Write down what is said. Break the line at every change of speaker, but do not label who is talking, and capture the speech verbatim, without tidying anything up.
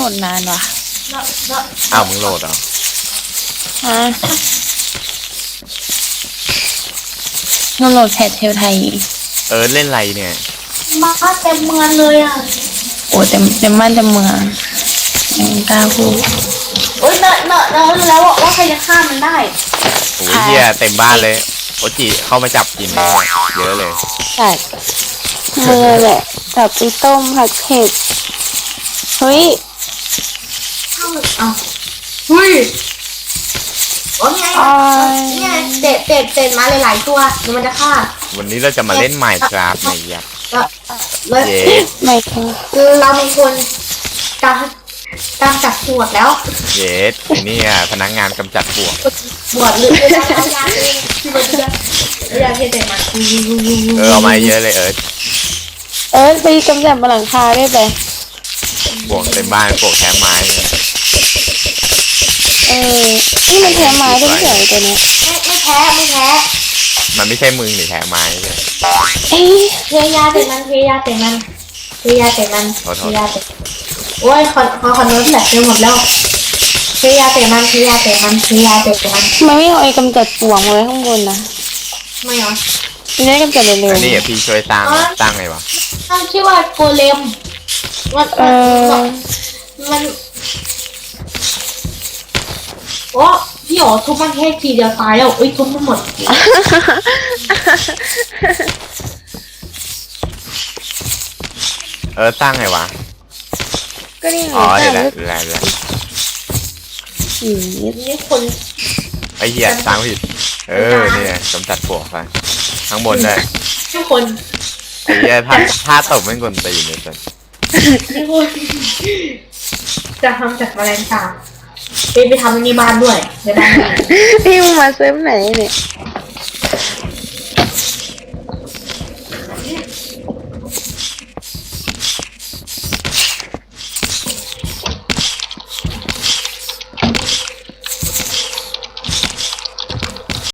ดนานว่ะ
อ้าวมึงโหลดเหรอ
ฮะเราโหลดแพทเทลไทย
เออเล่นไรเนี่ย
มาเต็มเมืองเลยอ่ะ
โอ้เต็มเต็มบ้านเต็มเมืองยังกล้าพูด
โอ้ยเนอะเนอะเนอะแล้วว่าใครจะฆ่ามันได้
โอ้ยเฮียเต็มบ้านเลยโอจิเข้ามาจับกินแน่เยอะเลย
ใช่เมื่อแหละจับไปต้มผัดเผ็ดเฮ้ย
เข้าเอาเฮ้ยโอ้ยไง
อ๋อ
เนี่ยเตะเตะเตะมาหลายๆตัวเดี๋ยวมันจะฆ่า
วันนี้เราจะมาเล่นใหม่ครับในยักษ์
แล้วแล้ว
เย้
ไม่ค่ะ
คือเราเป็นคนตามตามจับปวดแล้ว
เย้ไอ้นี่อ่ะพนักงานกำจัดปลวก
ปวดหรือเวลาเอายาเองที่มันจะเอายาเทใส่มัน
เออเอามาเยอะเลยเออ
เออไปกำจัดบนหลังคาได้ไป
ปลวกเต็มบ้านปลวกแคมไม้เนี่ย
เออนี่มันแพ้ไม้ด้วยเฉยตัวเนี้ย
ไม่ไม่แพ้ไม่แพ้
มันไม่ใช่มึงหรือแคมไม้เลย
เอ้ย
เทยาใส่มันเทยาใส่มันเทยาใส่มันเทยาใส่โอ้ยคอนคอนคอนโน้ตแหลกไปหมดแล้วเทยาใส่มันเทยาใส่มันเทยาใส่มัน
ทำไมไม่เอาไอ้กำจัดปลวกมาไว้ข้างบนนะ
ไม่เอา
มันจะได้กำจัดเร็ว
อันนี้อ่ะพี่ช่วยตั้งตั้งไงวะ
ตั้งชื่อว่าโกเลมมัน
ๆเออ
มันโอ้พี่โอ๋ทุบมันแค่ทีเดียวตายแล้วเอ้ยทุบมันหมด
เออตั้งไงวะ
ก็นี่ไง
อ๋อเดี๋ยว
แต่
แล้ว
ลึก
แล้วแล้ว
สีด
นี่คน
ไอ้เหี้ยตั้งผิดเออเนี่ยกำจัดปลวกไปข้างบนเลย
ทุกคน
ไอ้เหี้ยถ้าถ้าตกไม่กลตีนเลยสิ
นี่คนจะทำจากแมลงสาบไปไปทำในบ้านด้วยในบ้าน
พี่มึงมาเซิร์ฟไหนเนี่ย